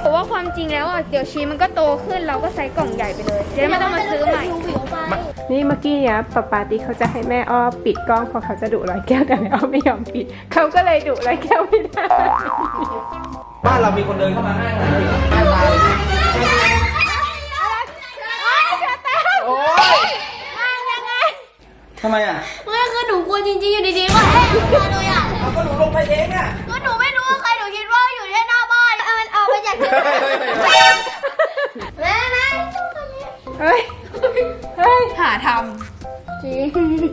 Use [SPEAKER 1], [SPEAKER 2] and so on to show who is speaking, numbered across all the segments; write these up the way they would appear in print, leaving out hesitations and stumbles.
[SPEAKER 1] แต่ว่าความจริงแล้วเดี๋ยวชีสมันก็โตขึ้นเราก็ใส่กล่องใหญ่ไปเลยจะได้ไม่ต้องมาซื้อใหม่
[SPEAKER 2] นี่เมื่อกี้เนี่ยป๊าติ๊กเขาจะให้แม่อ้อปิดกล้องเพราะเขาจะดุร้อยแก้วแต่แม่อ้อไม่ยอมปิดเขาก็เลยดุร้อยแก้วไม่ได้
[SPEAKER 3] บ้านเรามีคนเดินเข้ามาง่ายเลยง่ายตายโอ๊ยทำไมอ่ะ
[SPEAKER 4] ไม่คือหนูกลัวจริงๆอยู่ดีๆก็แห้งมาเลยอ่ะ
[SPEAKER 3] เอาก็หนูลงไปเองอ่ะ
[SPEAKER 4] ก็หนูไม่รู้ว่าใครหนูคิดว่าอยู่แค่หน้าบ้านมันออกมาจากที่แม่แม่
[SPEAKER 2] เฮ้ยเฮ้ย
[SPEAKER 1] หาท
[SPEAKER 2] จริง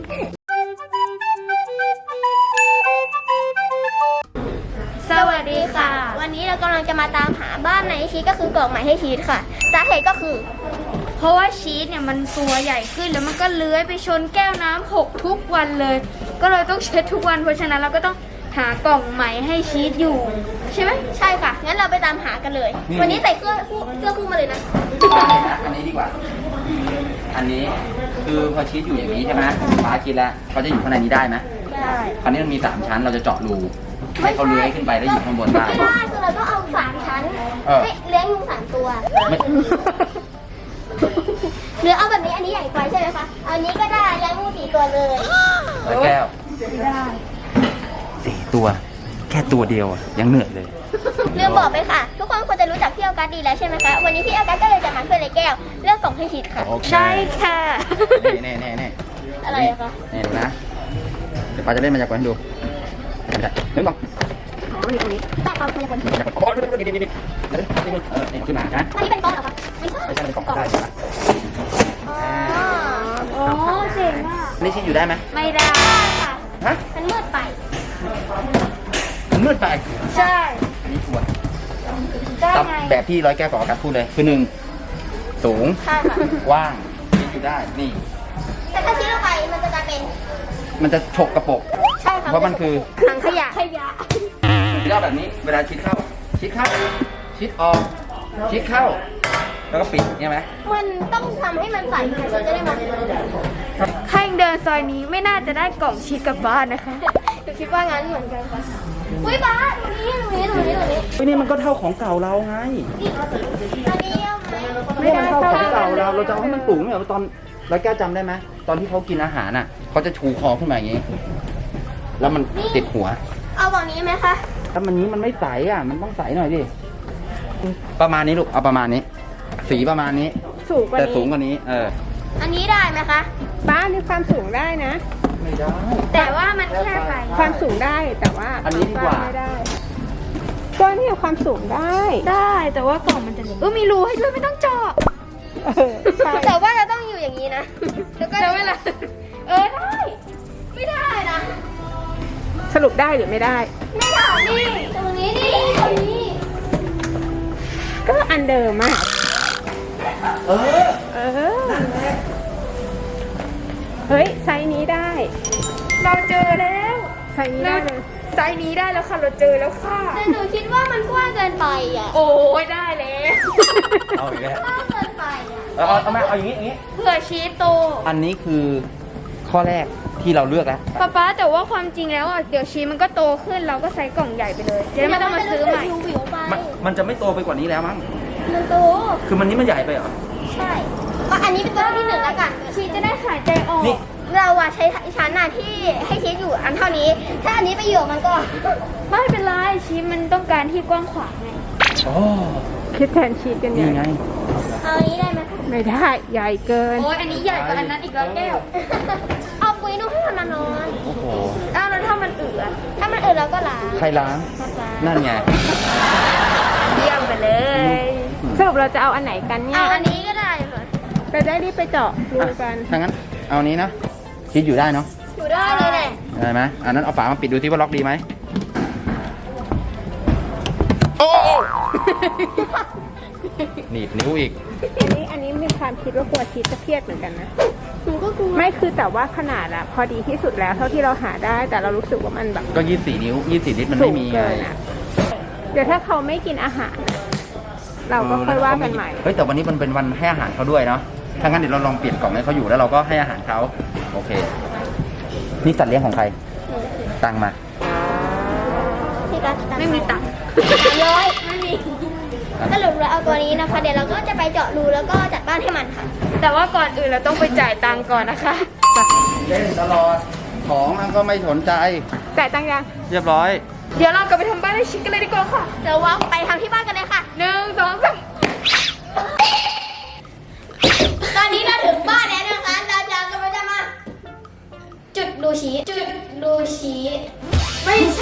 [SPEAKER 4] สวัสดีค่ะ วันนี้เรากำลังจะมาตามหาบ้านในชีสก็คือกล่องใหม่ให้ชีสค่ะสาเหตุก็คือ
[SPEAKER 1] ำเพราะว่าชีสเนี่ยมันตัวใหญ่ขึ้นแล้วมันก็เลื้อยไปชนแก้วน้ำหกทุกวันเลย ก็เลยต้องเช็ดทุกวันเพราะฉะนั้นเราก็ต้องหากล่องใหม่ให้ชีสอยู่ใช่ไหม
[SPEAKER 4] ใช่ค่ะ งั้นเราไปตามหากันเลย วันนี้ใส่เสื้อคู่มาเลยนะ
[SPEAKER 3] อันนี้ดีกว่า อันนี้คือพอชีสอยู่อย่างนี้ใช่ไหมฟ้าคิดแล้วเขาจะอยู่ข้างในนี้ได้ไหม
[SPEAKER 4] ได้
[SPEAKER 3] คราวนี้มันมี3ชั้นเราจะเจาะรูให้เขาเลื้อยขึ้นไปแล้วอยู่ข้างบนได้
[SPEAKER 4] ไม่ได้คือเราต้องเอา3 ชั้น
[SPEAKER 3] เออ
[SPEAKER 4] ให้เลี้ยงงู3 ตัว
[SPEAKER 3] ไม่
[SPEAKER 4] หรือเอาแบบนี้อันนี้ใหญ่ไปใช่ไหมคะอันนี้ก็ได้เลี้ยงงู4 ตัวเลย
[SPEAKER 3] ร้อยแก้ว4 ตัว แค่ตัวเดียวอะยังเหนื่อยเลย
[SPEAKER 4] ลืมบอกไปค่ะ ทุกคนควรจะรู้จักพี่ออกัสดีแล้วใช่ไหมคะ วันนี้พี่ออกัสก็เลยจะมาช่วยเลยแก้วเลือกส่งให้ชีสค่ะ
[SPEAKER 1] ใช่ค่ะ
[SPEAKER 3] แน่ๆ
[SPEAKER 4] อะไรอะคะ
[SPEAKER 3] นี่ดูนะ เดี๋ยวป้าจะเล่นมายากลให้ดูไม่ได้เดี๋ยวก่อน
[SPEAKER 4] อ๋อนี่ตรงนี้แต่เอาพยากรณ์
[SPEAKER 3] มายากลโอ้ยนี่นี่ขึ้นมานะ
[SPEAKER 4] อันนี้เป็นกล้องเหรอคะไม่ใช่
[SPEAKER 3] ไม่ใช่เป็นกล่องได้นะ
[SPEAKER 4] อ๋อ
[SPEAKER 1] โอ้เจ๋งอ่ะ
[SPEAKER 3] นี่ชีสอยู่ได้ไหม
[SPEAKER 1] ไม่ได้
[SPEAKER 4] ค่ะ
[SPEAKER 3] ฮะ
[SPEAKER 4] มันมืดไป
[SPEAKER 3] มันมืดไป
[SPEAKER 1] ใช่
[SPEAKER 3] อันนี้ควร
[SPEAKER 1] ได้
[SPEAKER 3] ตาม
[SPEAKER 1] ไง
[SPEAKER 3] แบบที่ร้อยแก้วกับอากาศพูดเลยคือ1สูง
[SPEAKER 4] ใช่ค่ะ
[SPEAKER 3] กว้างชีสอยู่ได้นี่
[SPEAKER 4] แต่ถ้าชี้ลงไปมันจะกลายเป็น
[SPEAKER 3] มันจะฉกกระปก
[SPEAKER 4] ใช่ค่ะ
[SPEAKER 3] เพราะมันคือ
[SPEAKER 4] ถังขยะ
[SPEAKER 3] ย่อแบบนี้เวลาชิดเข้า ชิดเข้า ชิดออก ชิดเข้า แล้วก็ปิดใช่ไหม
[SPEAKER 4] มันต้องทำให้มันใสค่ะฉันจะได้มองเห็น
[SPEAKER 1] ถ้ายังเดินซอยนี้ไม่น่าจะได้กล่องชีสกลับบ้านนะคะ
[SPEAKER 4] หนูคิดว่างั้นเหมือนกันค่ะอุ้ยบ้าตรงนี้
[SPEAKER 3] นี่มันก็เท่าของเก่าเราไง
[SPEAKER 4] นี่อันนี้เอาไหม
[SPEAKER 3] ไม่ได้เท่าของเก่าเราจะเอาให้มันสูงเนี่ยตอนร้อยแก้วจำได้ไหมตอนที่เขากินอาหารน่ะเขาจะชูคอขึ้นมาอย่างนี้ แล้วมันติดหัว
[SPEAKER 4] เอาแบบนี้ไหมคะ
[SPEAKER 3] ถ้ามันนี้มันไม่ใสอ่ะ มันต้องใสหน่อยดิ ประมาณนี้ลูก เอาประมาณนี้ สีประมาณนี้
[SPEAKER 2] สูงกว่า
[SPEAKER 3] แต่
[SPEAKER 2] นี้
[SPEAKER 3] สูงกว่านี้
[SPEAKER 4] อันนี้ได้ไหมคะ
[SPEAKER 2] บ้านนี่ความสูงได้นะ
[SPEAKER 3] ไม่ได้
[SPEAKER 1] แต่ว่ามันแค่ไป
[SPEAKER 2] ความสูงได้แต่ว่า
[SPEAKER 3] อันนี้ดีกว่า
[SPEAKER 2] บ้ไม่ได้ก็เนี่ยความสูงได้
[SPEAKER 1] ได้แต่ว่ากล่องมันจะเล็กมีรูให้ด้วยไม่ต้องเจาะ
[SPEAKER 2] เออใช่
[SPEAKER 4] แต่ว่าเราต้องอยู่อย่างนี้นะ แล้วก็
[SPEAKER 1] แล้วเวลาได้
[SPEAKER 4] ไม่ได้นะ
[SPEAKER 2] สรุปได้หรือไม่ได้
[SPEAKER 4] ไม่ได้นี่ตรงนี้นี่ตรงนี้
[SPEAKER 2] ก็อันเดิมอ่ะ
[SPEAKER 3] เออ
[SPEAKER 2] เออเฮ้ยไซส์นี้ได้
[SPEAKER 1] เราเจอแล้ว
[SPEAKER 2] ไซส์นี้ได้เลย
[SPEAKER 1] ไซส์นี้ได้แล้วค่ะเราเจอแล้วค่ะ
[SPEAKER 4] แต่หนูคิดว่ามันกว้างเกินไปอ่ะ
[SPEAKER 1] โอ้ยได้แล้ว
[SPEAKER 3] เอาอีกแล้ว
[SPEAKER 4] กว้างเกินไปอ่ะ
[SPEAKER 3] เอามาเอาอย่างนี้อย่างนี้
[SPEAKER 1] เผื่อชีสโต
[SPEAKER 3] อันนี้คือข้อแรกที่เราเลือกแล้ว
[SPEAKER 1] ป๊าแต่ว่าความจริงแล้วเดี๋ยวชีสมันก็โตขึ้นเราก็ใส่กล่องใหญ่ไปเลยจะได้ไม่ต้องมาซื้อใหม่
[SPEAKER 4] วิวไป
[SPEAKER 3] มันจะไม่โตไปกว่านี้แล้วมั้ง
[SPEAKER 4] มันโต
[SPEAKER 3] คือมันนี้มันใหญ่ไปเหรอ
[SPEAKER 4] ใช่ก็อันนี้เป็นตัวที่1แล้วกัน
[SPEAKER 1] ชีสจะได้หายใจออก
[SPEAKER 3] นี่
[SPEAKER 4] เราอะใช้ชั้นน่ะที่ให้ชีสอยู่อันเท่านี้ ถ้าอันนี้ไปอยู่มันก็
[SPEAKER 1] ไม่เป็นไรชีสมันต้องการที่กว้างขวางไง
[SPEAKER 3] อ๋อ
[SPEAKER 2] คิดแทนชีสกัน
[SPEAKER 3] นี่
[SPEAKER 2] เนี่ย
[SPEAKER 3] ไง
[SPEAKER 4] เอาอันนี้ได้ไหม
[SPEAKER 2] ไม่ได้ใหญ่เกิน
[SPEAKER 1] โอ้ยอันนี้ใหญ่กว่าอันนั้นอีกแล้วแก้ว
[SPEAKER 4] เอาปุ้ยนุ่มให้มันมานอน
[SPEAKER 3] โอ้โห
[SPEAKER 1] อ้าวแล้วถ้ามันอืดอะ
[SPEAKER 4] ถ้ามันอื่นเราก็ล้าง
[SPEAKER 3] ใครล้าง นั่นไง
[SPEAKER 1] เยี่ยมไปเลย
[SPEAKER 2] สรุปเราจะเอาอันไหนกันเนี่
[SPEAKER 4] เอา
[SPEAKER 2] ย
[SPEAKER 4] อันนี้ก็ได้ค่ะ
[SPEAKER 2] เราได้รีบไปเจาะรูกัน
[SPEAKER 3] ถ้างั้น เอานี้นะคิดอยู่ได้เนาะ
[SPEAKER 4] อยู่ได้เลยแหละ
[SPEAKER 3] ได้ไหมอันนั้นเอาฝามาปิดดูที่ว่าล็อกดีไหมโอ้หนีบนิ้วอีก
[SPEAKER 2] อันนี้มีความคิดว่ากลัวชีสจะเครียดเหมือนกันนะ
[SPEAKER 4] หนูก็กลัว
[SPEAKER 2] ไม่คือแต่ว่าขนาดอะพอดีที่สุดแล้วเท่าที่เราหาได้ แต่เรารู้สึกว่ามันแบบ
[SPEAKER 3] ก็24 นิ้ว 24 ลิตรมัน
[SPEAKER 2] สู
[SPEAKER 3] ไม่
[SPEAKER 2] ง
[SPEAKER 3] มีไง
[SPEAKER 2] เกินอะเดี๋ยวถ้าเขาไม่กินอาหารอะเราก็ค่อยว่ากันใหม่
[SPEAKER 3] เฮ้ยแต่วันนี้มันเป็นวันให้อาหารเขาด้วยเนาะ ถ้างั้นเดี๋ยวเราลองเปลี่ยนกล่องให้เขาอยู่แล้วเราก็ให้อาหารเขาโอเค นี่สัตว์เลี้ยงของใคร ตังมา
[SPEAKER 4] พี่กัส
[SPEAKER 1] ไม่มีตังค์
[SPEAKER 4] 300
[SPEAKER 1] ไม่มี
[SPEAKER 4] สรุปเราเอาตัวนี้นะคะ เดี๋ยวเราก็จะไปเจาะรูแล้วก็จัดบ้านให้มันค่ะ
[SPEAKER 1] แต่ว่าก่อนอื่นเราต้องไปจ่ายตังค์ก่อนนะคะ
[SPEAKER 3] เล่นตลอดของมันก็ไม่สนใจ
[SPEAKER 2] จ่ายตังค์ยัง
[SPEAKER 3] เรียบร้อย
[SPEAKER 1] เดี๋ยวเรากลับไปทำบ้านให้ชิคกันเลยดีกว่าค่ะ
[SPEAKER 4] เดี๋ยวว่าไปทำที่บ้านกันเลยค่ะ
[SPEAKER 1] 1 2 3
[SPEAKER 4] ตอนนี้เราถึงบ้านแล้วนะคะเราจะกำลังจะมาจุดรูชี้ไม่ใช่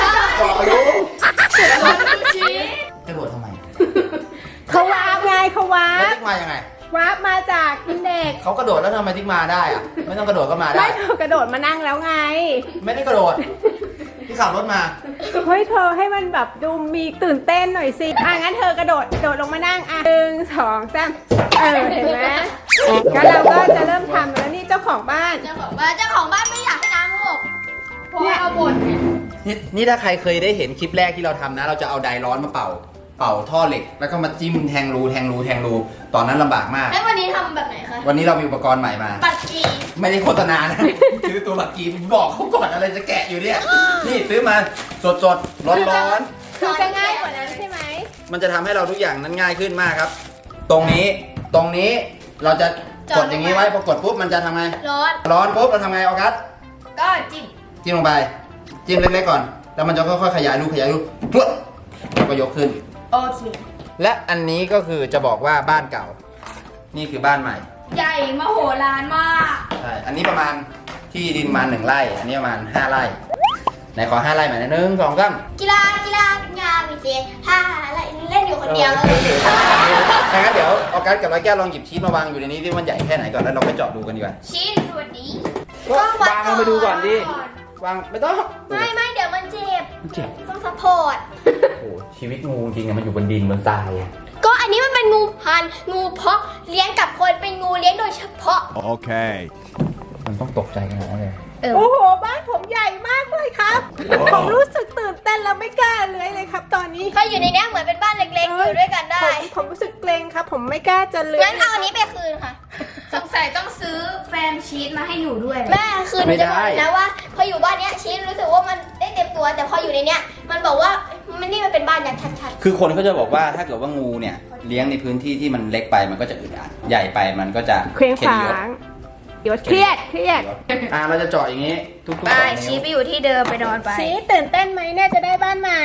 [SPEAKER 3] จะโดดทำไม
[SPEAKER 2] เขาวาร์ปไงเขาวา
[SPEAKER 3] แล้ว
[SPEAKER 2] ร์ป
[SPEAKER 3] ติ๊กมายังไง
[SPEAKER 2] วาร์ปมาจากอินเด็ก
[SPEAKER 3] เขากระโดดแล้วทำไมติ๊กมาได้อะไม่ต้องกระโดดก็มาได้
[SPEAKER 2] ไม่เธอกระโดดมานั่งแล้วไง
[SPEAKER 3] ไม่ได้กระโดดที่ขับรถมา
[SPEAKER 2] เฮ้ยเธอให้มันแบบดูมีตื่นเต้นหน่อยสิงั้นเธอกระโดดลงมานั่ง1 2 3เห็นไหมงั้นเราก็จะเริ่มทำแล้วนี่เจ้าของบ้าน
[SPEAKER 4] เจ้าของบ้านไม่อยากให้น้ำหก
[SPEAKER 1] เพราะเอาบ่น
[SPEAKER 3] นี่ถ้าใครเคยได้เห็นคลิปแรกที่เราทำนะ เราจะเอาไดร้อนมาเป่าท่อเหล็ก แล้วก็มาจิ้มแทงรูตอนนั้นลำบากมาก
[SPEAKER 4] แล้ววันนี้ทำแบบไหนคะ
[SPEAKER 3] วันนี้เรามีอุปกรณ์ใหม่มา
[SPEAKER 4] ปัดกี
[SPEAKER 3] ไม่ได้โฆษณานะ ซื้อตัวบักกีบอกเขาก่อนอะไรจะแกะอยู่เนี่ย นี่ซื้อมาสดร้อน
[SPEAKER 2] คือจะง่ายกว่านั้นใช่ไหม
[SPEAKER 3] ๆมันจะทำให้เราทุกอย่างนั้นง่ายขึ้นมากครับ ตรงนี้เราจะกดอย่างนี้ไว้พอกดปุ๊บมันจะทำไง ร้อนปุ๊บเราทำไงออกัส
[SPEAKER 1] ก็จิ้ม
[SPEAKER 3] จิ้มลงไปจิ้มเล็กๆก่อนแล้วมันจะค่อยๆขยายรูปุ๊บแล้วก็ยกขึ้น
[SPEAKER 1] โอเค
[SPEAKER 3] และอันนี้ก็คือจะบอกว่าบ้านเก่า นี่คือบ้านใหม่
[SPEAKER 1] ใหญ่มโหฬารมาก
[SPEAKER 3] ใช่อันนี้ประมาณที่ดินมา1 ไร่ อันนี้ประมาณ5 ไร่ไหนขอ5 ไร่หน่อยนะ1 2 3
[SPEAKER 4] กีฬางานวิเศษอะไรเล่นอยู่คนเดียว
[SPEAKER 3] ถ้างั้นเดี๋ยวออกัสกับร้อยแก้วลองหยิบชีสมาวางอยู่ในนี้ที่มันใหญ่แค่ไหนก่อนแล้วเราไปเจาะดูกันดีกว่า
[SPEAKER 1] ชิ้นสวัสดี
[SPEAKER 3] วางลงไปดูก่อนดิวางไม่ต้อง
[SPEAKER 4] ไม่เดี๋ยวมันเจ็บ
[SPEAKER 3] มันเจ็บ
[SPEAKER 4] ต้องซัพพอร์ต
[SPEAKER 3] โอ้ชีวิตงูจริงๆมันอยู่บนดินบนทรายอะ
[SPEAKER 4] ก็อันนี้มันเป็นงูพันธุ์งูเพาะเลี้ยงกับคนเป็นงูเลี้ยงโดยเฉพาะ
[SPEAKER 5] Okay.
[SPEAKER 3] มันต้องตกใจกันนะเลย
[SPEAKER 2] โอ้โหบ้านผมใหญ่มากเลยครับ ผมรู้สึกตื่นเต้นแล้วไม่กล้าเลื้อยเลยครับ ตอนนี้
[SPEAKER 4] ใครอยู่ในเนี้ยเหมือนเป็นบ้านเล็กๆอยู่ด้วยกันได้
[SPEAKER 2] ผมรู้สึกเกรงครับ ผมไม่กล้าจะเลื้อย
[SPEAKER 4] งั้นเอาอันนี้ไปคืนค่ะ
[SPEAKER 1] สงสัยต้องซื้อแฟนชีสมาให้หนูด้วย
[SPEAKER 4] แม่คืนหนูจะบอกนะว่า พออยู่บ้านเนี้ยชีสรู้สึกว่ามันได้เต็มตัว แต่พออยู่ในเนี้ยมันบอกว่ามันเป็นบ้านอย่างชัด
[SPEAKER 3] คือคนเขาจะบอกว่าถ้าเกิดว่างูเนี่ยเลี้ยงในพื้นที่ที่มันเล็กไปมันก็จะอึดอัดใหญ่ไปมันก็จะ
[SPEAKER 2] เคว้ง
[SPEAKER 3] ข็
[SPEAKER 2] ข
[SPEAKER 3] ดยศ
[SPEAKER 2] วางเดี๋ยวเครียด
[SPEAKER 3] เราจะเจาะอย่างนี้ทุกๆ
[SPEAKER 1] ไป
[SPEAKER 3] 2
[SPEAKER 1] ชี
[SPEAKER 3] นิ้
[SPEAKER 1] ส
[SPEAKER 3] ว
[SPEAKER 1] ไปอยู่ที่เดิมไปนอนไป
[SPEAKER 2] ชีตื่นเต้นไหมเนี่ยจะได้บ้านใหม่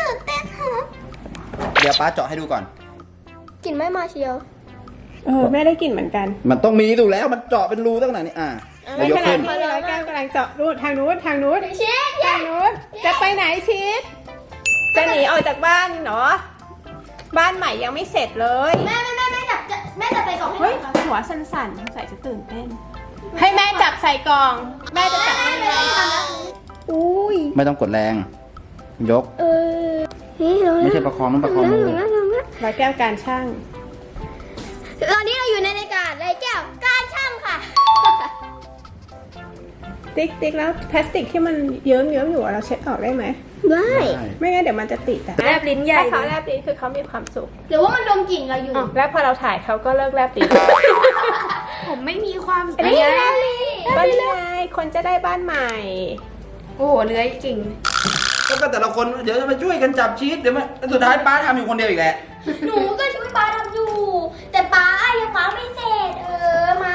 [SPEAKER 3] เดี๋ยวป้าเจาะให้ดูก่อน
[SPEAKER 4] ๆกลิ่นไม่มาเชียว
[SPEAKER 2] แม่ได้กลิ่นเหมือนกัน
[SPEAKER 3] มันต้องมีถูกแล้วมันเจาะเป็นรูตั้งไหนนี่เรายก
[SPEAKER 2] ขณะ
[SPEAKER 3] ขึ้น
[SPEAKER 2] ที่ร้อยแก้วกำลังเจาะรูทางนู้น
[SPEAKER 4] ชีส
[SPEAKER 2] ทางนู้นจะไปไหนชีสจะหนีออกจากบ้านเหรอ บ้านใหม่ยังไม่เสร็จเลย
[SPEAKER 4] แม่จับใส่กล่องให้ห
[SPEAKER 2] เฮ้ย
[SPEAKER 4] น่อยค่ะ
[SPEAKER 2] หัวสั่นๆใส่จะตื่นเต้น ให้แม่จับใส่กล่อง แม่จะจับให้
[SPEAKER 4] ไม่ได้ทำแล้ว
[SPEAKER 2] อุ้ย
[SPEAKER 3] ไม่ต้องกดแรง ยก
[SPEAKER 4] นี่เรา
[SPEAKER 3] ไม่ใช่ประคองต้องประคองมือ
[SPEAKER 2] ร้อยแก้วการช่าง
[SPEAKER 4] ตอนนี้เราอยู่ในรายการไรแก้วการช่างค่ะ
[SPEAKER 2] ติ๊กแล้วพลาสติกที่มันเยิ้มอยู่อะเราเช็ดออกได้ไหม
[SPEAKER 4] ได้
[SPEAKER 2] ไม่งั้นเดี๋ยวมันจะติดอะ
[SPEAKER 1] แลบลิ้นใหญ่
[SPEAKER 2] ถ้าเขาแลบลิ้นคือเขามีความสุข
[SPEAKER 4] หรือว่ามันดมกลิ่นเราอยู่
[SPEAKER 2] แล้วพอเราถ่ายเขาก็เลิกแลบลิ้น
[SPEAKER 1] ผมไม่มีความ
[SPEAKER 2] นี่ไง
[SPEAKER 1] ไง
[SPEAKER 2] ก็นี่ไงคนจะได้บ้านใหม่
[SPEAKER 1] โอ้โหเลื้อยจริง
[SPEAKER 3] แล้วก็แต่ละคนเดี๋ยวจะมาช่วยกันจับชีสเดี๋ยวมันสุดท้ายป้าทำอยู่คนเดียวอีกแหละ
[SPEAKER 4] หนูก็ช่วยป้าทำอยู่ แต่ป้ายังป้าไม่เสร็จมา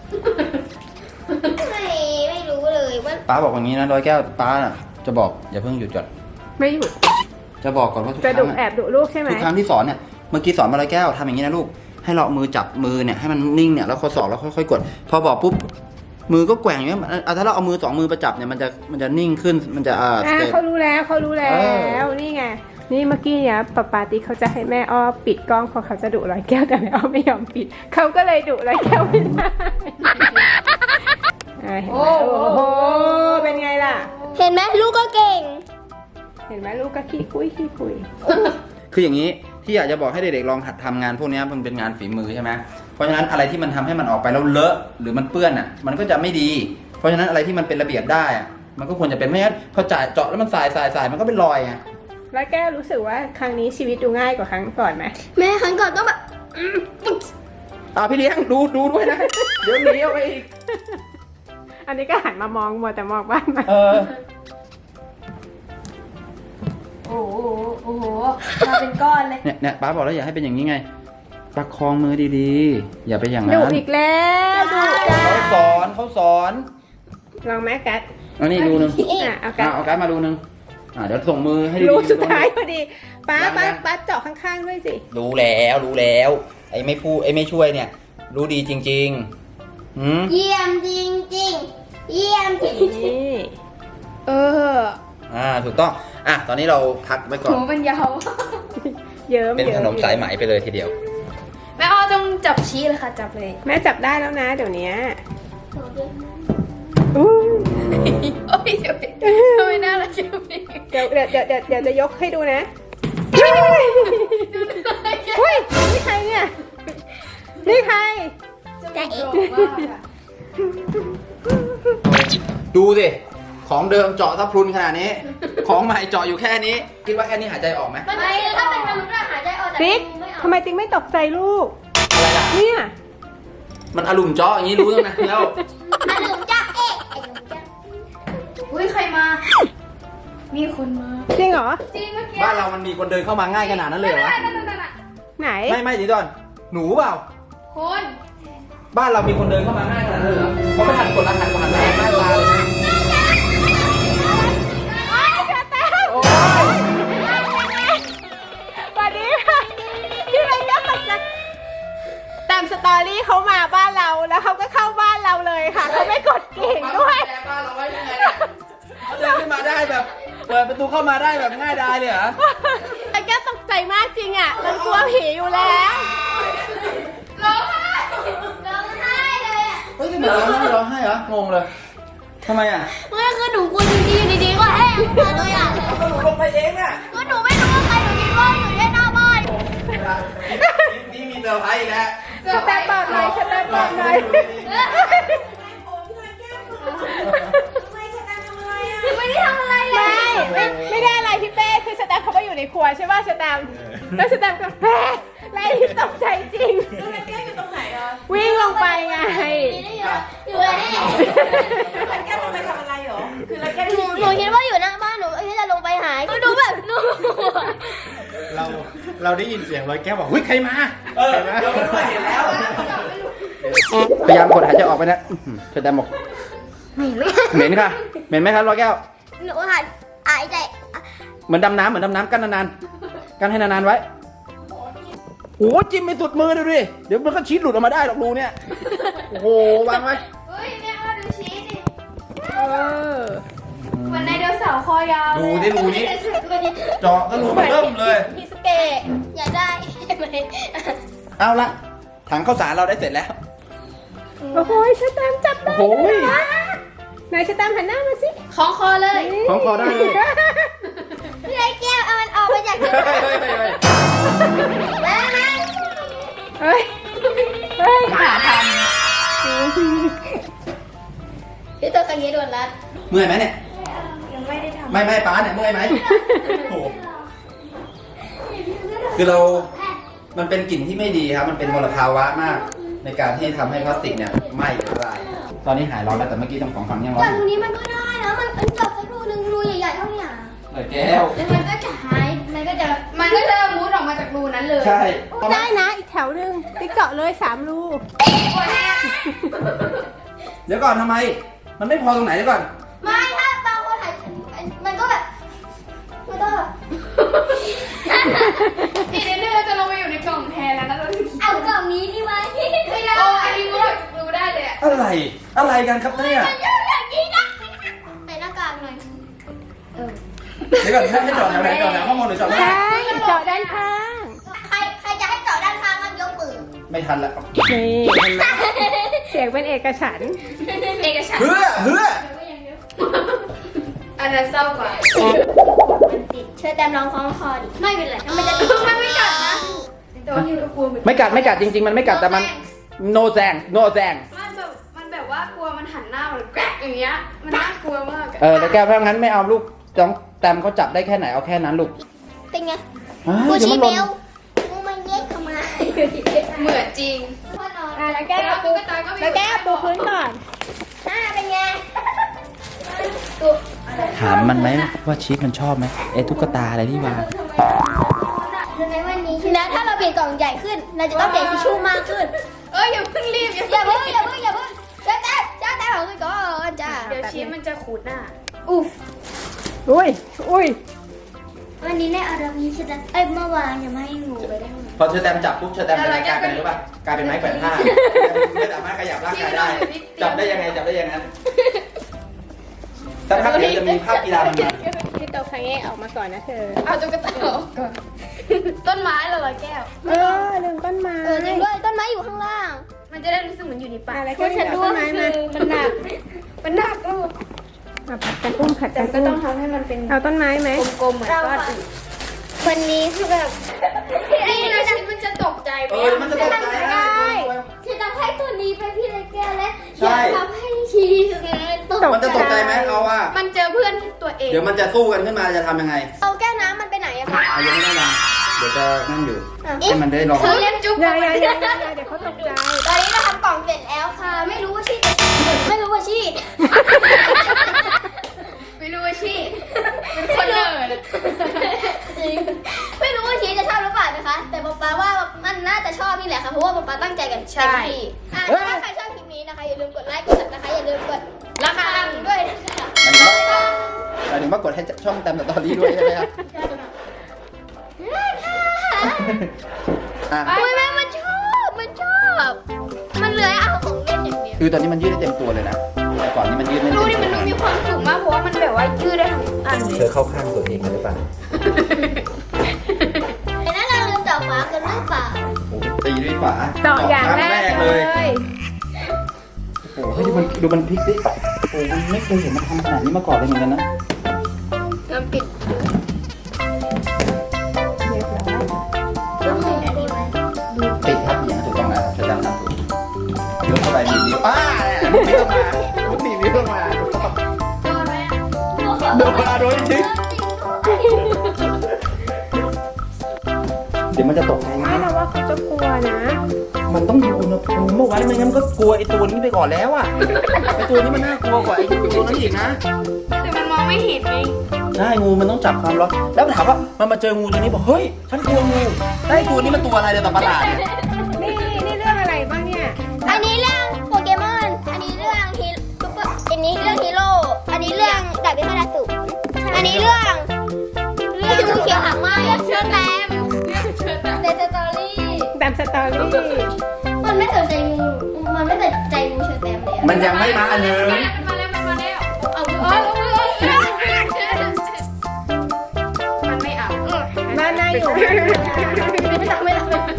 [SPEAKER 4] ไม่รู้เลยว่า
[SPEAKER 3] ป้าบอกอย่างนี้นะร้อยแก้วป้าน่ะจะบอกอย่าเพิ่งหยุดก่อน
[SPEAKER 2] ไม่หยุด
[SPEAKER 3] จะบอกก่อนว่าทุกค
[SPEAKER 2] จะ
[SPEAKER 3] รั้
[SPEAKER 2] ดุ
[SPEAKER 3] ง
[SPEAKER 2] แอบดุลูกใช่ไหม
[SPEAKER 3] ทุกครั้งที่สอนเนี่ยเมื่อกี้สอนมาร้อยแก้วทำอย่างนี้นะลูกให้เราเอามือจับมือเนี่ยให้มันนิ่งเนี่ยแล้วข้อศอกแล้วค่อยๆกด พอบอกปุ๊บมือก็แกว่งอย่างเงี้ยถ้าเราเอามือ2 มือประจับเนี่ยมันจะนิ่งขึ้นมันจะ
[SPEAKER 2] เขารู้แล้วนี่ไงนี่เมื่อกี้เนี่ยปาติ๊กเขาจะให้แม่อ้อปิดกล้องเพราะเขาจะดุร้อยแก้วแต่แม่อ้อไม่ยอมปิดเขาก็เลยดุร้อยแก้วไม่ได้เห็นไหมโอ้โหเป็นไงล่ะ
[SPEAKER 4] เห็นไหมลูกก็เก่ง
[SPEAKER 2] เห็นไหมลูกก็ขี้คุย
[SPEAKER 3] คืออย่างนี้ที่อยากจะบอกให้เด็กๆลองหัดทำงานพวกนี้มันเป็นงานฝีมือใช่ไหมเพราะฉะนั้นอะไรที่มันทำให้มันออกไปแล้วเลอะหรือมันเปื้อนอ่ะมันก็จะไม่ดี เพราะฉะนั้นอะไรที่มันเป็นระเบียบได้อ่ะมันก็ควรจะเป็นไม่งั้นพอจ่ายเจาะแล้วมันสายมันก็เป็นรอยไง
[SPEAKER 2] แล้วแก้วรู้สึกว่าครั้งนี้ชีวิตดูง่ายกว่าครั้งก่อนไหม
[SPEAKER 4] แม่ครั้งก่อนต้องแบบ
[SPEAKER 3] พี่เลี้ยงดูด้วยนะเดี๋ยวหนีเอาไปอีก
[SPEAKER 2] อันนี้ก็หันมามองมัวแต่มองบ้านมา
[SPEAKER 1] โอ้โหโอ้โหมาเป็นก้อนเลย
[SPEAKER 3] เนี่ยป้าบอกแล้วอย่าให้เป็นอย่างนี้ไงประคองมือดีๆอย่าไปอย่างนั้น
[SPEAKER 2] ดุอีกแล้วดุจ้า
[SPEAKER 3] เขาสอน
[SPEAKER 2] ลองไหมกัด
[SPEAKER 3] อันนี้รูนึง
[SPEAKER 2] เอากัด
[SPEAKER 3] เอาการ์ดมารูนึงเดี๋ยวส่งมือให้ดี
[SPEAKER 2] รู
[SPEAKER 3] ๆ
[SPEAKER 2] สุดท้ายพอดีป้าเจาะข้างๆด้วยสิ
[SPEAKER 3] รู้แล้วไอ้ไม่พูดไอ้ไม่ช่วยเนี่ย รู้ดีจริงๆหืม
[SPEAKER 4] เยี่ยมจริงจริงๆเยี่ยมจริง
[SPEAKER 2] นี่
[SPEAKER 3] ถูกต้องตอนนี้เราพักไว้ก่อน
[SPEAKER 1] หนูมันยาว
[SPEAKER 2] เยิ้ม
[SPEAKER 3] เป็นขนมสายไหมไปเลยทีเดียว
[SPEAKER 1] แม่อ้อต้องจับชี้เลยค่ะจับเลย
[SPEAKER 2] แม่จับได้แล้วนะเดี๋ยวนี้อู้
[SPEAKER 1] โอ้ยเดี๋ยวทำไมน่ารักจังเลย
[SPEAKER 2] เดี๋ยวจะยกให้ดูนะเฮ้ยนี่ใครเนี่ยนี่ใคร
[SPEAKER 4] จะเอง
[SPEAKER 3] ดูสิของเดิมเจาะทับพรุนขนาดนี้ ของใหม่เจาะอยู่แค่นี้ คิดว่าแค่นี้หายใจออกไหม
[SPEAKER 4] มันคือถ้าเป็นมนุษย์อะหายใจออกจาก
[SPEAKER 2] ติ๊ก
[SPEAKER 4] ไม่ออก
[SPEAKER 2] ทำไมติ๊กไม่ตกใจลูก
[SPEAKER 3] อะไรล่ะ
[SPEAKER 2] เนี่ย
[SPEAKER 3] มันอารมณ์เจาะอย่างนี้รู้ตั้งนานแล้ว
[SPEAKER 4] อันหนึ่งจ้าเอ๊ะไอ้หนึ่งจ้า
[SPEAKER 1] อุ้ยใครมา มีคนมา
[SPEAKER 2] จริงเหรอ
[SPEAKER 1] จริงเมื่อกี้
[SPEAKER 3] บ้านเรามันมีคนเดินเข้ามาง่ายขนาดนั้นเลยเหรอวะ
[SPEAKER 1] นั่น
[SPEAKER 2] ไหน
[SPEAKER 3] ไม่เดี๋ยวก่อนหนูเปล่า
[SPEAKER 1] คน
[SPEAKER 3] บ้านเรามีคนเดินเข้ามาง่ายขนาดนั้นเลยเหรอเขาไม่ทันกดรหัสมาหน้าตาเลยนะโอ้ย
[SPEAKER 2] สวัสดีค่ะพี่ไรก็ตกใจตามสตอรี่เขามาบ้านเราแล้วเขาก็เข้าบ้านเราเลยค่ะเขาไม่กดกิ่งด้วย
[SPEAKER 3] แกบ้านเราไว้ยังไงเนี่ยเขาเดินขึ้นมาได้แบบเปิดประตูเข้ามาได้แบบง่ายดายเลยเหรอ
[SPEAKER 2] ไอ้แก้วตกใจมากจริงอ่ะมันกลัวผีอยู่แล้ว
[SPEAKER 1] ร้องไห้
[SPEAKER 4] ร้องไห้เลยอะ
[SPEAKER 3] เฮ้ยทำไมร้องไห้เหรองงเลยทำไมอ่ะ
[SPEAKER 4] ไม่คือหนูกลัวจริงๆอยู่ดีๆก็แห้งมาเลยอ่ะ
[SPEAKER 3] ก็หนูลงไปเองน่ะ
[SPEAKER 4] ก็หนูไม่รู้ว่าใครหนูคิดว่าอยู่แค่หน้าบ้าน
[SPEAKER 3] นี่มีเซอร์ไพรส์อีกแล้ว
[SPEAKER 2] สแตมป์บอกหน่อยสแตมป์บอกหน่อย
[SPEAKER 4] ไม่ได้ทำอะไรเลย
[SPEAKER 2] ไม่ได้อะไรพี่เป้คือสแตมป์เขาก็อยู่ในครัวใช่ป่ะสแตมป์แล้วสแตมป์ก็แพ้ไล่ที่ตกใจจริงวิ่งลงไปไง
[SPEAKER 4] อยู่เลยนี่หนูคิดว่าอยู่หน้าบ้านหนูที่จะลงไปหายหนูแบบหนู
[SPEAKER 5] เราได้ยินเสียงร้อยแก้วบอกเฮ้ยใครมา
[SPEAKER 3] เดี๋ยวไม่เห็นแล้วพยายามกดหายใจออกไปนะเธอแต่บอกเหม็นค่ะเหม็นไหมครับร้อยแก้ว
[SPEAKER 4] หนูหันหายใจ
[SPEAKER 3] เหมือนดำน้ำกั้นนานๆกั้นให้นานๆไว้โอ้จิ้มไปสุดมือดูดิเดี๋ยวมันก็ชีสหลุดออกมาได้หรอกรูเนี่ยโอ้โหวางไว้
[SPEAKER 1] เฮ้ยแม่อ้อดูชี้ดิ
[SPEAKER 2] อ
[SPEAKER 1] เหมือนในเดโนเสาร์คอยาว
[SPEAKER 3] ดูที่รูนี้เจาะก็รูมันเริ่มเลย
[SPEAKER 2] พิสเกะ
[SPEAKER 4] อยากได้ไหม
[SPEAKER 3] เอาละถังข้าวสารเราได้เสร็จแล้ว
[SPEAKER 2] โอ้โหสแตมป์จับได้
[SPEAKER 3] โอ้ย
[SPEAKER 2] นายสแตมป์หันหน้ามาสิ
[SPEAKER 1] คล้องคอเลย
[SPEAKER 3] ของคอได้เลย
[SPEAKER 4] พี่ไอ้แก้วเอามันออกไปจากที่
[SPEAKER 3] เฮ้ย
[SPEAKER 2] เฮ้ยขาท
[SPEAKER 4] พี่ตัวกันนี้โดนรัด
[SPEAKER 3] เมื่อยไหมเนี่ย
[SPEAKER 1] ยังไม่ได้ทำ
[SPEAKER 3] ไม่ป้าเนี่ยเมื่อยไหมโอ้โหคือเรา มันเป็นกลิ่นที่ไม่ดีครับ มันเป็นมลภาวะมาก ในการที่ทำให้พลาสติกเนี่ยไหม้ละลายตอนนี้หายร้อนแล้วแต่เมื่อกี้ตรงของฝั่งยังร้อน
[SPEAKER 4] แต่
[SPEAKER 3] อ
[SPEAKER 4] ตร
[SPEAKER 3] ยู่
[SPEAKER 4] งนี้มันก็ได้นะมันจับสักรูนึงรูใหญ่ๆเท่านี้อ่ะ
[SPEAKER 3] เลยแก้ว
[SPEAKER 1] แล้วมันก็จะหายมันก็จะมุดออกมาจากรูนั้นเลย
[SPEAKER 3] ใช่
[SPEAKER 2] ำได้นะอีกแถวหนึ่งติ๊กเจาะเลย3 รู
[SPEAKER 3] เดี๋ยวก่อนทำไม มันไม่พอตรงไหนเดี๋ยวก่อน
[SPEAKER 4] ไม่ถ้าบางคนถ่ายมันก็แบบมันก็แบบ
[SPEAKER 1] อีกนิดนึงเราจะลงไปอยู่ในกล่องแทนแล้วนะเรา
[SPEAKER 4] เอากล่องนี้ดีไหมไม่ได้
[SPEAKER 1] โอ้อันนี้มุดออกจากรูได้เลยอะ
[SPEAKER 3] อะไรกันครับเนี่ย
[SPEAKER 4] มันยุ่งอย่างนี้นะใส่หน้ากากหน่อย
[SPEAKER 3] เดี๋ยวก่อนให้จอดแถวไหนจอดแถวข้างบนหรือจอดข้างล่าง
[SPEAKER 2] ใช่เจาะด้านข้าง
[SPEAKER 4] ใครจะให้เจาะด้านข้างมันยกมือ
[SPEAKER 3] ไม่ทันละ
[SPEAKER 2] นี่เห็นไหมเสียงเป็นเอกฉันท์
[SPEAKER 1] เอกฉันท์
[SPEAKER 3] เพื่อ
[SPEAKER 1] อันนั้นเศร้ากว่า
[SPEAKER 4] มันติดเชิญแตมลองคล้องคอดิไม่เป็นไรมันจะ
[SPEAKER 1] มันไม่กัดนะแต่ว่าอยู่กับกลัวเหมือน
[SPEAKER 3] ไม่กัดจริงๆ มันไม่กัดแต่มันโนแซง
[SPEAKER 1] มันแบบว่ากลัวมันหันหน้ามันแกรกอย่างเงี้ยมันน่ากลัวมากอะ
[SPEAKER 3] แล้วแก้วเพราะงั้นไม่เอาลูกต้องแตมเขาจับได้แค่ไหนเอาแค่นั้นลูก
[SPEAKER 4] เป็นไง
[SPEAKER 3] กู
[SPEAKER 4] กูชี้เบลกูมันเย็ดเข้ามา
[SPEAKER 1] เหมือนจริง
[SPEAKER 4] พ่อนอน
[SPEAKER 2] แล้วแก้วปูแล้วแก้วปูพื้นก่อน
[SPEAKER 4] เป็นไง
[SPEAKER 3] ถามมันไหมว่าชีสมันชอบไหมไอ้ตุ๊กตาอะไรที่วาง
[SPEAKER 4] รู้ไหมวันนี้แล้วถ้าเราเปลี่ยนกล่องใหญ่ขึ้น เราจะต้องเปลี่ยนทิชชู่มากขึ้น
[SPEAKER 1] อย่าเพิ่งรีบ
[SPEAKER 4] อย่าเพิ่งเจ้าแต่ของก่อนจ้า
[SPEAKER 1] เดี๋ยวชีสมันจะขูดหน้าอุ๊ฟ
[SPEAKER 2] อุ้ย
[SPEAKER 4] วันนี้ในอารมณ์นี้ฉันเมื่อวานยังไม่ให้งูไปได้ไหม
[SPEAKER 3] พอเชอร์แตมจับปุ๊บเชอร์แตมเป็นอะไรกลายเป็นอะไรรู้ป่ะกลายเป็นไม้แขวนผ้าไม่สามารถขยับร่างกายได้จับได้ยังไงสักพักเดี๋ยวจะมีภาพกีฬามันมา
[SPEAKER 2] พี่โตคังเอะออกมาก่อนนะเธอ
[SPEAKER 1] เอาตุ๊กตาออกก่อนต้นไม้ละร้อยแก้ว
[SPEAKER 2] ลืมต้นไม้
[SPEAKER 4] จริงด้วยต้นไม้อยู่ข้างล่าง
[SPEAKER 1] มันจะได้รู้สึกเหมือนอยู่ในป่า
[SPEAKER 2] อะไรก็ฉันดูต้นไม้มา
[SPEAKER 1] มันหนักก็
[SPEAKER 2] ผัดกันอุ้มผัด
[SPEAKER 1] แต่
[SPEAKER 2] กัน
[SPEAKER 1] ก็
[SPEAKER 2] อุ้
[SPEAKER 1] ต้อ
[SPEAKER 2] ม
[SPEAKER 1] งทำให้มันเป็น
[SPEAKER 2] เอาต้นไม้ไหม
[SPEAKER 1] กลมๆเหมือนก้อนอื่น
[SPEAKER 4] วันนี้คือแบบ
[SPEAKER 1] นี่นะชีสมันจะตกใจไหม
[SPEAKER 3] มันจะตกใจนะ
[SPEAKER 4] ฉันจะให้ตัวนี้เป็นพี่เล็กแก้วและอยากทำให้ชีสตก
[SPEAKER 3] มันจะตกใจไหมเอาว่า
[SPEAKER 1] มันเจอเพื่อนตัวเอง
[SPEAKER 3] เดี๋ยวมันจะสู้กันขึ้นมาจะทำยังไง
[SPEAKER 4] เอาแก้วน้ำมันไปไหนอะคะ
[SPEAKER 3] เอายังไม่ได้วางเดี๋ยวจะนั่นอยู่ให้มันได้ลอง
[SPEAKER 1] เธอเล่นจุ๊บ
[SPEAKER 2] อย่าเดี๋ยวเขาตกใจ
[SPEAKER 4] ตอนนี้เราทำกล่องเสร็จแล้วค่ะ ไม่รู้ว่าชีไม่รู้ว่าชี
[SPEAKER 1] ไม่รู้ว่าชีเป็นคนเนิร์ด
[SPEAKER 4] จริงไม่รู้ว่าชีจะชอบหรือเปล่านะคะ แต่ป๊าว่ามันน่าจะชอบนี่แหละค่ะ เพราะว่าป๊าตั้งใจกันเต็มที่ถ้าใครชอบคลิปนี้นะคะอย่าลืมกดไลค์กดซับนะคะอย่าลืมกด
[SPEAKER 1] ราคา
[SPEAKER 4] ด้วยนะคะ
[SPEAKER 3] หมายถึงว่ากดให้ช่องแตมสตอรี่ด้วยใช่ไหมครับอ่ะ
[SPEAKER 4] อุ้ยแม่มันชอบมันเลื้อยเอาของเล่นอย่างเดียว
[SPEAKER 3] คือตอนนี้มันยืดได้เต็มตัวเลยนะแต่ก่อนนี้มันยืดไม่
[SPEAKER 1] ดู
[SPEAKER 3] เต็ม
[SPEAKER 1] ดิ
[SPEAKER 3] ตัว
[SPEAKER 1] มันดูมีความสุขมากเพราะว่ามันแบบว่ายืดได้ทั้งอันเล
[SPEAKER 3] เธอย เข้าข้างตัวเองกันหรือเปล่า
[SPEAKER 4] แต่นั้นเราลืมต่อฝากันหรือเปล่า
[SPEAKER 3] โอ้โหตีด้วยฝา
[SPEAKER 2] ต่ออย่างแรกเลย
[SPEAKER 3] โอ้โหดูมันพลิกดิโอ้โหมันไม่เคยเห็นมันทำขนาดนี้มาก่อนเลยเหมือนกันนะ
[SPEAKER 1] แล้วปิด
[SPEAKER 4] ต้องให้อันนี้ไหม
[SPEAKER 3] ปิดทับอย่างถูกต้องแล้วจะจำทำถูกยกเข้าไปหนีบนิ้วเนี่ยไม่ต้องมาหนีบนิ้วต้องมา
[SPEAKER 1] โดนไหม
[SPEAKER 3] โดนมาโดนจริงเดี๋ยวมันจะตกใจนะ
[SPEAKER 2] ไม่เราว่าเขาจะกลัวนะ
[SPEAKER 3] มันต้องดูอุณหภูมิเมื่อวานไม่งั้นก็กลัวไอ้ตัวนี้ไปก่อนแล้วอ่ะไอ้ตัวนี้มันน่ากลัวกว่าไอ้ตัวนั้นอีกนะ
[SPEAKER 1] แต่มันมองไม่เห็นไง
[SPEAKER 3] ใช่งูมันต้องจับความร้อนแล้วถามว่ามันมาเจองูตัวนี้บอกเฮ้ยฉันกลัวงูไอ้ตัวนี้มันตัวอะไรเนี่ยตัวประหลาดเนี่ย
[SPEAKER 2] นี่เรื่องอะไรบ้างเนี่ย
[SPEAKER 4] อันนี้เรื่องโปเกมอน อันนี้เรื่องอันนี้เรื่องฮีโร่ อันนี้เรื่องดาบพิฆาตอสูรอันนี้เรื่องงูเขียวหางไหมเชื่อแตมในสตอรี่
[SPEAKER 2] แตมสตอรี่
[SPEAKER 4] มันไม่สนใจงู มันไม่สนใจงูเชื่อแตมเลย
[SPEAKER 3] มันยังไม่มาอันนึง
[SPEAKER 1] มาแล้วเอามือมันไม่เอา
[SPEAKER 2] บ้านน่าอยู่
[SPEAKER 4] ไม่ทำ